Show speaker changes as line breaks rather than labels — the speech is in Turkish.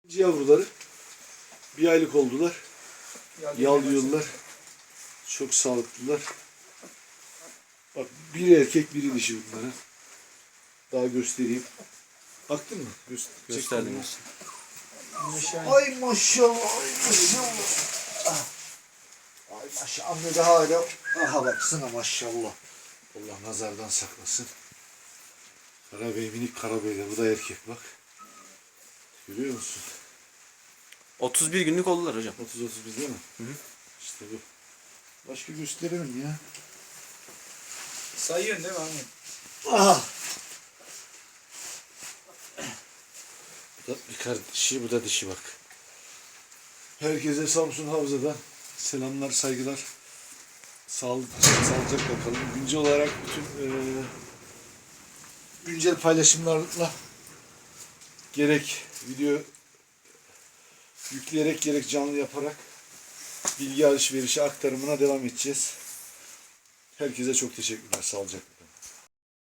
Yavruları 1 aylık oldular. Yalıyorlar. Çok sağlıklılar. Bak biri erkek biri dişi bunların. Daha göstereyim. Baktın mı?
Gösterdim.
Ay maşallah. Ay maşallah. Ay maşallah. Anne de hala. Aha baksana maşallah. Allah nazardan saklasın. Karabey minik karabey de. Bu da erkek bak. Görüyor musun?
31 günlük oldular hocam.
30-31 değil mi? Hı. İşte bu. Başka gösterelim ya.
Sayıyorsun değil mi anne?
Aha. Bu da bir kardeşi, bu da dişi bak. Herkese Samsun Havza'dan selamlar, saygılar. Sağlıcakla kalın. Güncel olarak bütün güncel paylaşımlarla gerek video yükleyerek gerek canlı yaparak bilgi alışverişi aktarımına devam edeceğiz. Herkese çok teşekkürler. Sağlıcakla kalın.